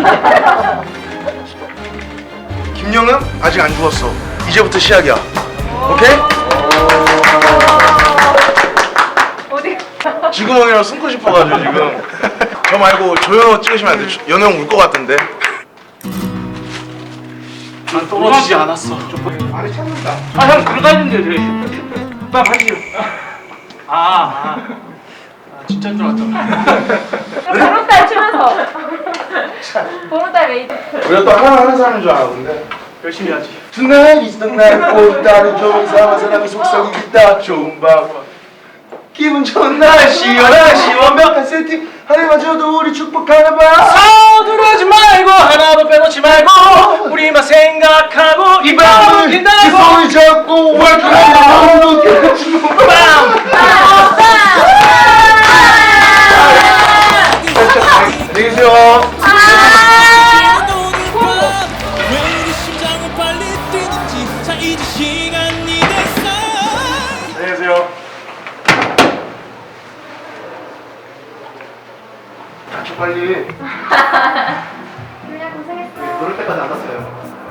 김영은 아직 안 죽었어. 이제부터 시작이야. 오케이? 어디? 지구멍이랑 숨고 싶어가지고 지금. 저 말고 조연호 찍으시면 안 돼. 연호 형 울 것 같은데. 난 떨어지지 않았어. 아니 찾는다. 아, 형 들어가는데 돼. 빨리 하시죠. 진짜인 줄 알았잖아. 보름달 추면서. 보름달 메이드. 우리가 또 하나 하는 사람인 줄 알았는데. 열심히 하지. Tonight is the night. 꽃다리 좋은 사람 사람이 속성이 있다. 좋은 밤. 기분 좋은 날씨 연날씨 완벽한 세팅. 하늘마저도 우리 축복하나 봐. 서두르지 말고 하나도 빼놓지 말고 우리만 생각하고 이 밤을 그 기다리고 손을 잡고 월급을 깨끗이 안녕히 계세요. 왜 우리 심장은 빨리 뛰는지 자 이제 시간이 됐어. 안녕히 계세요. 닥쳐 빨리. 그냥 고생했어. 그럴 때까지 안 왔어요.